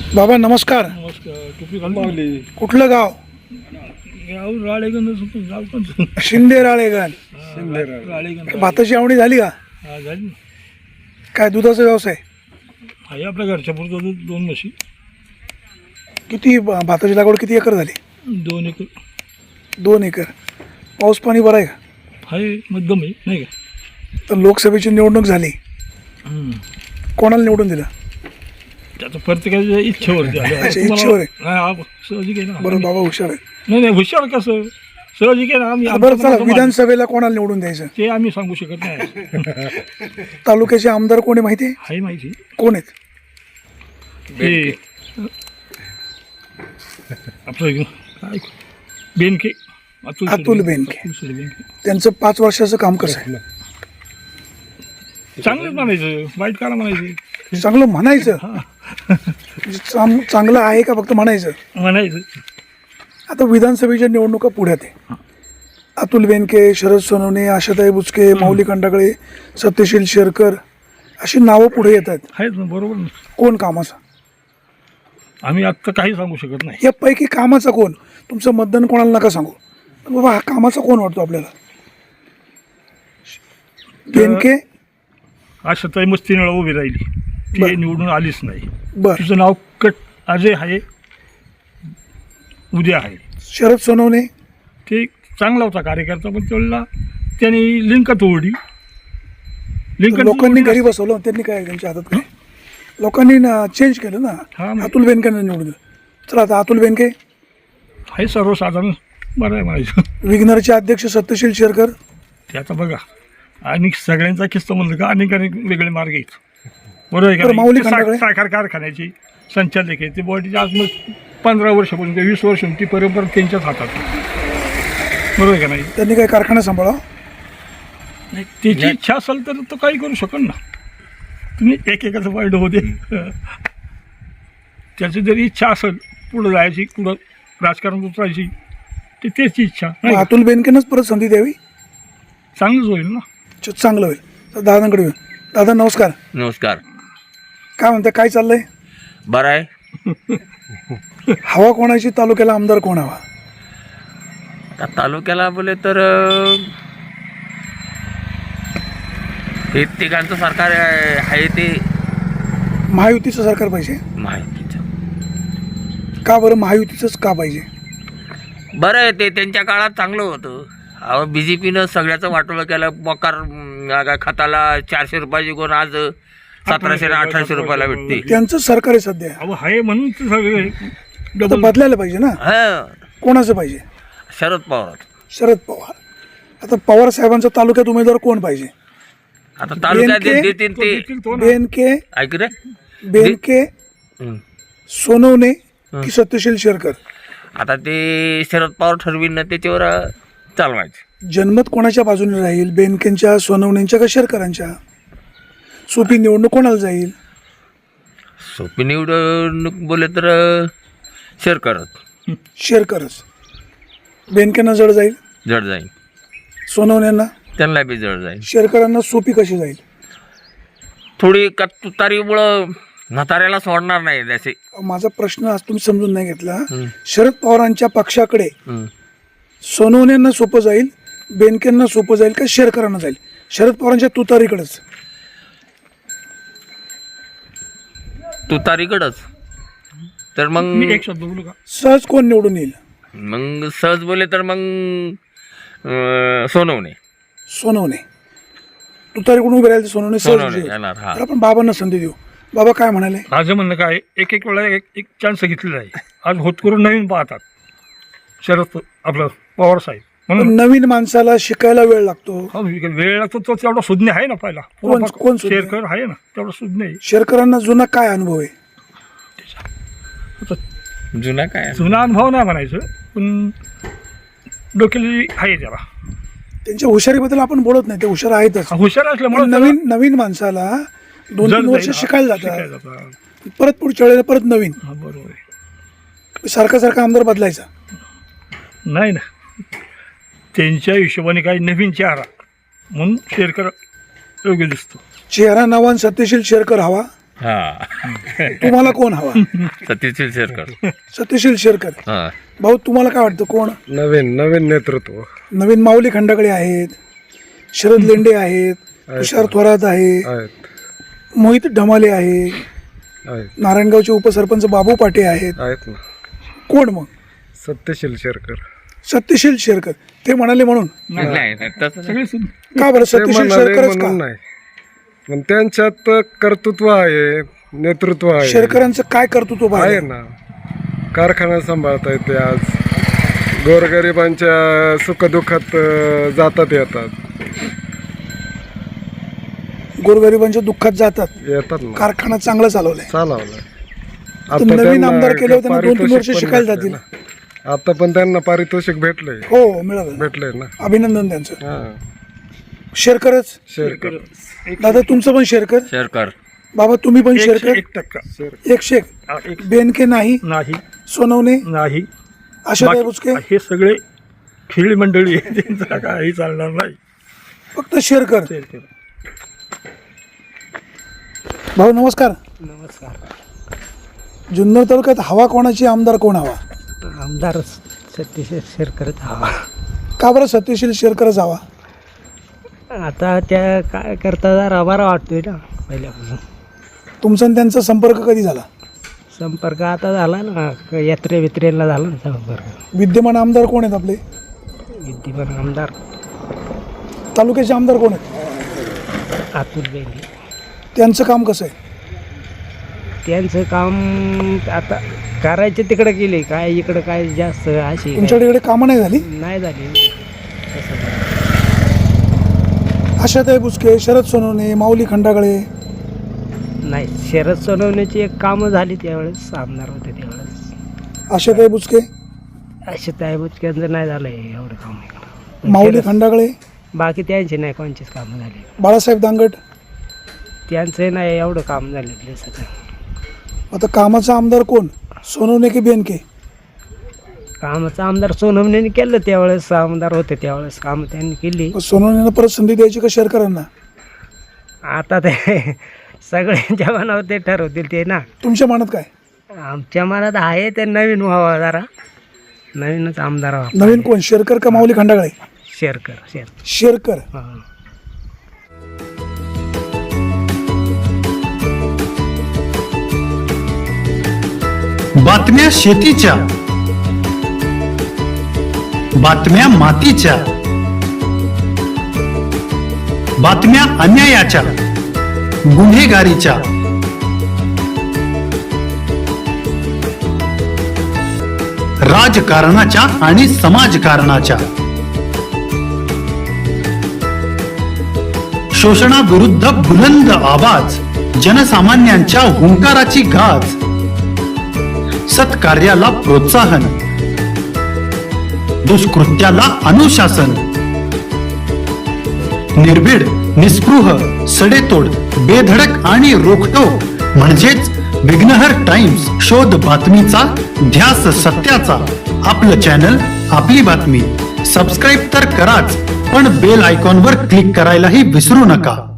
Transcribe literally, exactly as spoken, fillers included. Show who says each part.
Speaker 1: बाबा नमस्कार.
Speaker 2: नमस्कार. टोपी घालून
Speaker 1: कुठलं गाव?
Speaker 2: गाव राळेगण. गाव कोणतं?
Speaker 1: शिंदे राळेगण.
Speaker 2: राळेगण.
Speaker 1: भाताची आवडी झाली का?
Speaker 2: हा झाली ना.
Speaker 1: काय दुधाचा व्यवसाय?
Speaker 2: आहे आपल्या घरच्या पुरतं दूध. दोन म्हशी.
Speaker 1: किती ब- भाताची लागवड किती एकर झाली?
Speaker 2: दोन एकर
Speaker 1: दोन एकर. पाऊस पाणी बरं आहे का?
Speaker 2: आहे, मध्यम आहे नाही का.
Speaker 1: तर लोकसभेची निवडणूक झाली,
Speaker 2: हम्म.
Speaker 1: कोणाला निवडून दिलं?
Speaker 2: त्याचं प्रत्येकाच्या इच्छेवरती आहे.
Speaker 1: अच्छा, इच्छेवर आहे.
Speaker 2: हा, हा, सहजिक आहे ना.
Speaker 1: बरं बाबा हुशार आहे.
Speaker 2: नाही नाही हुशार कसं सहजिक आहे ना. आम्ही
Speaker 1: बरं
Speaker 2: आमचं
Speaker 1: चला,
Speaker 2: मनाचं
Speaker 1: विधानसभेला कोणाला निवडून द्यायचं?
Speaker 2: मा- ते आम्ही सांगू शकत नाही.
Speaker 1: तालुक्याचे आमदार कोणी माहिती आहे?
Speaker 2: आहे माहिती.
Speaker 1: कोण आहेत?
Speaker 2: हे आपलं काय बेनके. अतुल
Speaker 1: अतुल
Speaker 2: शेठ
Speaker 1: बेनके.
Speaker 2: अतुल शेठ बेनके.
Speaker 1: त्यांचं पाच वर्षाचं काम कसं आहे?
Speaker 2: चांगलंच म्हणायचं, वाईट काला म्हणायचं.
Speaker 1: चांगलं म्हणायचं. म्हणजे चांग- चांगलं आहे का फक्त म्हणायचं?
Speaker 2: म्हणायचं.
Speaker 1: आता विधानसभेच्या निवडणुका पुढ्यात आहे. अतुल बेनके, शरद सोनवणे, आशाताई बुचके, माऊली खंडागळे, सत्यशील शेरकर अशी नावं पुढे येत आहेत.
Speaker 2: आहेत ना, बरोबर ना.
Speaker 1: कोण कामाचा?
Speaker 2: आम्ही आत्ता काही सांगू शकत नाही.
Speaker 1: यापैकी कामाचा कोण? तुमचं मतदान कोणाला नका सांगू, पण बाबा हा कामाचा कोण वाटतो आपल्याला? बेनके.
Speaker 2: आशाताई मस्तीनं उभी राहिली, ती
Speaker 1: बरं.
Speaker 2: निवडून आलीच नाही.
Speaker 1: बर.
Speaker 2: तुझं नाव कट अजय आहे, उद्या आहे.
Speaker 1: शरद सोनवणे.
Speaker 2: ते चांगला होता कार्यकर्ता, पण त्याला त्यांनी लिंक तोडली. लिंक
Speaker 1: लोकांनी घरी बसवलं, त्यांनी काय त्यांच्या हातात काय? लोकांनी चेंज केलं
Speaker 2: हा,
Speaker 1: ना.
Speaker 2: मग.
Speaker 1: अतुल बेनकेंना निवडून दिलं. चला आता अतुल बेनके.
Speaker 2: आहे सर्वसाधारण बरं आहे म्हणायचं.
Speaker 1: विग्नरचे अध्यक्ष सत्यशील शेरकर.
Speaker 2: ते आता बघा, आणि सगळ्यांचा किस्सा म्हणलं का अनेक अनेक वेगळे मार्ग आहेत. बरोबर आहे
Speaker 1: बरं,
Speaker 2: का
Speaker 1: माऊली
Speaker 2: नाही? ते
Speaker 1: खंडागळे?
Speaker 2: सा- साखर कारखान्याची संचालक आहे ते बॉडीची आज मग पंधरा वर्षापासून किंवा वीस वर्ष ती परंपरा त्यांच्याच हातात आहे. बरोबर आहे का नाही.
Speaker 1: त्यांनी काय कारखाना सांभाळा?
Speaker 2: नाही, त्याची इच्छा असेल तर तो काही करू शकल ना. तुम्ही एकेकाचं वाईट होते. त्याची जरी इच्छा असेल पुढं जायची, पुढं राजकारण उतरायची, ते त्याची इच्छा नाही का?
Speaker 1: अतुल बेनकेनंच परत संधी द्यावी,
Speaker 2: चांगलंच होईल ना.
Speaker 1: च- चांगलं होईल. तर दादांकडे येऊ. दादा नमस्कार.
Speaker 3: नमस्कार.
Speaker 1: काय म्हणता, काय चाललंय?
Speaker 3: बरं आहे.
Speaker 1: हवा कोणाची? तालुक्याला आमदार कोण हवा?
Speaker 3: आता तालुक्याला बोले तर अं, हे तिघांचं सरकार आहे आहे ते
Speaker 1: महायुतीचं सरकार पाहिजे.
Speaker 3: माहितीचं.
Speaker 1: का बरं महायुतीचंच का पाहिजे?
Speaker 3: बरं आहे ते, त्यांच्या काळात चांगलं होतं. अहो बी जे पीनं सगळ्याचं वाटोळं केलं. मकार अं, खताला चारशे रुपयाची कोण आज सतराशे आणि अठराशे रुपयाला भेटते.
Speaker 1: त्यांचं सरकार आहे सध्या.
Speaker 2: अहो आहे म्हणून तर सगळे
Speaker 1: आता
Speaker 2: डबल
Speaker 1: बदलायला पाहिजे ना.
Speaker 3: हा,
Speaker 1: कोणाचं पाहिजे?
Speaker 3: शरद पवार.
Speaker 1: शरद पवार. आता पवार साहेबांचा तालुक्यात उमेदवार कोण पाहिजे?
Speaker 3: आता तालुक्यात
Speaker 1: बेनके?
Speaker 3: देतील
Speaker 2: तो
Speaker 3: ते.
Speaker 2: देतील तो ना.
Speaker 1: बेनके,
Speaker 3: ऐक रे.
Speaker 1: बेनके,
Speaker 3: हं.
Speaker 1: सोनवणे की सत्यशील शेरकर?
Speaker 3: आता ते शरद पवार ठरवीन ना, त्याच्यावर अं, चालवायचं.
Speaker 1: जनमत कोणाच्या बाजूने राहील? बेनकेंच्या, सोनवणेंच्या का शेरकरांच्या? सोपी निवडणूक कोणाला जाईल?
Speaker 3: सोपी निवडणूक बोले तर अं, शेअर करत
Speaker 1: शेरकरच. बेनकेंना जड जाईल,
Speaker 3: जड जाईल.
Speaker 1: सोनवण्यांना,
Speaker 3: त्यांना बी जड जाईल.
Speaker 1: शेरकरांना सोपी कशी जाईल?
Speaker 3: थोडी का तुतारीमुळं म्हाताऱ्याला सोडणार नाही त्याचे.
Speaker 1: माझा प्रश्न आज तुम्ही समजून नाही घेतला.
Speaker 3: हं.
Speaker 1: शरद पवारांच्या पक्षाकडे
Speaker 3: हं.
Speaker 1: सोनवण्यांना सोपं जाईल, बेनकेंना सोपं जाईल का शेरकरांना जाईल? शरद पवारांच्या तुतारीकडेच.
Speaker 3: तुतारीकडंच तर मग
Speaker 2: मी एक शब्द बोलू का.
Speaker 1: सहज कोण निवडून येईल?
Speaker 3: मग सहज बोले तर मग अं, सोनवणे.
Speaker 1: सोनवणे. तुतारीकडून उभे राहील तर सोनवणे सहज
Speaker 3: सोनवणे
Speaker 1: विजयी.
Speaker 3: येणार. हा,
Speaker 1: तर आपण बाबांना संधी देऊ. बाबा काय म्हणाले?
Speaker 2: माझं म्हणणं काय, एक एक वेळा एक एक चान्स घेतलेला आहे. आज होतकरून नवीन पाहतात शरद प- आपलं पवार साहेब
Speaker 1: पण
Speaker 2: म्हणून.
Speaker 1: नवीन माणसाला शिकायला वेळ लागतो.
Speaker 2: हा, वेळ लागतो तो तेवढा सुज्ञ आहे ना. पहिला
Speaker 1: कोण- कोण सुज्ञ?
Speaker 2: शेअर आहे ना, तेवढा सुज्ञ आहे.
Speaker 1: शेरकरांना जुना काय अनुभव आहे?
Speaker 2: आता
Speaker 3: जुना काय
Speaker 2: जुना अनुभव नाही म्हणायचं, पण डोक्याली आहे त्याला.
Speaker 1: त्यांच्या हुशारीबद्दल आपण बोलत नाही, ते हुशार आहेतच.
Speaker 2: हा, हुशार
Speaker 1: पण
Speaker 2: असल्यामुळे
Speaker 1: नवीन नवीन माणसाला दोन तीन वर्ष शिकायला जातात,
Speaker 2: जातात.
Speaker 1: परत पुढच्या वेळेला परत नवीन.
Speaker 2: हा, बरोबर आहे.
Speaker 1: सारखा सारखा आमदार बदलायचा
Speaker 2: नाही ना, त्यांच्या हिशोबाने काही नवीन चेहरा म्हणून शेअर करा योग्य दिसतो.
Speaker 1: चेहरा नवा. सत्यशील शेरकर हवा.
Speaker 3: हा
Speaker 1: तुम्हाला कोण हवा?
Speaker 3: सत्यशील शेरकर.
Speaker 1: सत्यशील शेरकर.
Speaker 3: हा
Speaker 1: भाऊ तुम्हाला काय वाटतं कोण?
Speaker 4: नवीन नवीन नेतृत्व
Speaker 1: नवीन माऊली खंडागळे आहेत, शरद लेंडे आहेत, तुषार थोरात आहे,
Speaker 4: आहेत
Speaker 1: मोहित ढमाले आहे,
Speaker 4: आहेत
Speaker 1: नारायणगावचे उपसरपंच बाबू पाटे आहेत.
Speaker 4: आहेत ना.
Speaker 1: कोण मग?
Speaker 4: सत्यशील शेरकर.
Speaker 1: सत्यशील शेरकर. ते म्हणाले म्हणून?
Speaker 3: नाही नाही तसं
Speaker 2: सगळे सुद्धा
Speaker 1: का बरं
Speaker 4: ते
Speaker 1: सत्यशील
Speaker 4: म्हणाले
Speaker 1: शेरकरच का?
Speaker 4: म्हणून नाही, पण त्यांच्यात कर्तृत्व आहे, नेतृत्व आहे.
Speaker 1: शेरकरांचं काय कर्तृत्व
Speaker 4: आहे
Speaker 1: पाहिजे?
Speaker 4: ना. कारखाना सांभाळता येते, आज गोरगरिबांच्या सुखदुःखात अं, जातात येतात
Speaker 1: गोरगरिबांच्या दुःखात जातात.
Speaker 4: येतात ना.
Speaker 1: कारखाना चांगला चालवलाय.
Speaker 4: चालवलंय.
Speaker 1: तर नवीन
Speaker 4: त्यांना
Speaker 1: आमदार केले होते ना, दोन तीन वर्ष
Speaker 4: पारितोषिक पण
Speaker 1: शिकायला
Speaker 4: भेटलंय
Speaker 1: जातील.
Speaker 4: ना. आता पण त्यांना पारितोषिक भेटलंय
Speaker 1: हो मिळालं.
Speaker 4: भेटलंय ना.
Speaker 1: अभिनंदन त्यांचं.
Speaker 4: हा
Speaker 1: शेरकरच.
Speaker 4: शेरकर.
Speaker 1: दादा तुमचं पण शेरकर?
Speaker 3: शेरकर.
Speaker 1: बाबा तुम्ही पण
Speaker 2: एकशे
Speaker 1: शेरकर?
Speaker 2: एक टक्का
Speaker 1: एकशे एक.
Speaker 2: हा, एक
Speaker 1: बेनके नाही,
Speaker 2: नाही
Speaker 1: सोनवणे,
Speaker 2: नाही
Speaker 1: आशाताई
Speaker 2: बाकी-
Speaker 1: बुचके,
Speaker 2: हे सगळे खेळी मंडळी आहे, त्यांचं काही चालणार नाही.
Speaker 1: फक्त शेरकर.
Speaker 2: शेरकर.
Speaker 1: भाऊ नमस्कार.
Speaker 5: नमस्कार.
Speaker 1: जुन्नर तालुक्यात हवा कोणाची, आमदार कोण हवा?
Speaker 5: आमदार सत्यशील शेरकरच हवा.
Speaker 1: का बरं सत्यशील शेरकरच हवा?
Speaker 5: आता त्या काय करता जरा बरा वाटतोय ना पहिल्यापासून.
Speaker 1: तुमचा आणि त्यांचा संपर्क कधी झाला?
Speaker 5: संपर्क आता झाला ना, यात्रे बित्रेला झाला ना संपर्क.
Speaker 1: विद्यमान आमदार कोण आहेत आपले?
Speaker 5: विद्यमान आमदार
Speaker 1: तालुक्याचे आमदार कोण आहेत?
Speaker 5: अतुल बेंगे.
Speaker 1: त्यांचं काम कसं आहे?
Speaker 5: त्यांचं काम आता करायचे तिकडे केले, काय इकडं काय जास्त अशी
Speaker 1: तुमच्याकडे इकडे कामं नाही झाली?
Speaker 5: नाही झाली. तसं
Speaker 1: आशाताई बुचके, शरद सोनवणे, माऊली खंडागळे.
Speaker 5: नाही, शरद सोनवण्याची एक कामं झाली त्यावेळेस, आमदार होते त्यावेळेस.
Speaker 1: आशाताई बुचके,
Speaker 5: असे त्या बुचक्यांचं नाही झालं एवढं काम इकडं.
Speaker 1: माऊली खंडागळे,
Speaker 5: बाकी त्यांची नाही कोणचीच कामं झाली.
Speaker 1: बाळासाहेब दांगट.
Speaker 5: त्यांचं नाही एवढं काम झालेलं सध्या.
Speaker 1: आता कामाचा आमदार कोण, सोनवणे की बेनके?
Speaker 5: कामाचं आमदार सोनवणेने केलं त्यावेळेस, आमदार होते त्यावेळेस कामं त्यांनी केली.
Speaker 1: सोनवणेनं परत संधी द्यायची का शेरकरांना?
Speaker 5: आता ते सगळ्यांच्या मनावर ते ठरवतील ते ना.
Speaker 1: तुमच्या मनात काय?
Speaker 5: आमच्या मनात आहे ते नवीन व्हावा, जरा नवीनच आमदार व्हावा.
Speaker 1: नवीन कोण, शेरकर का माऊली खंडागळे?
Speaker 5: शेरकर. शेर
Speaker 1: शेरकर.
Speaker 5: हां.
Speaker 6: बातम्या शेतीच्या, बातम्या मातीच्या, बातम्या अन्यायाच्या, गुन्हेगारीच्या, राजकारणाच्या आणि समाजकारणाच्या, शोषणाविरुद्ध बुलंद आवाज, जनसामान्यांच्या हुंकाराची गाज, सत्कार्याला प्रोत्साहन, दुष्कृत्याला अनुशासन, निर्भीड, निस्पृह, सडेतोड, बेधडक आणि रोखटोक म्हणजेच विघ्नहर टाइम्स. शोध बातमीचा, ध्यास सत्याचा. आपलं चॅनल, आपली बातमी. सबस्क्राईब तर कराच, पण बेल आयकॉनवर क्लिक करायलाही विसरू नका.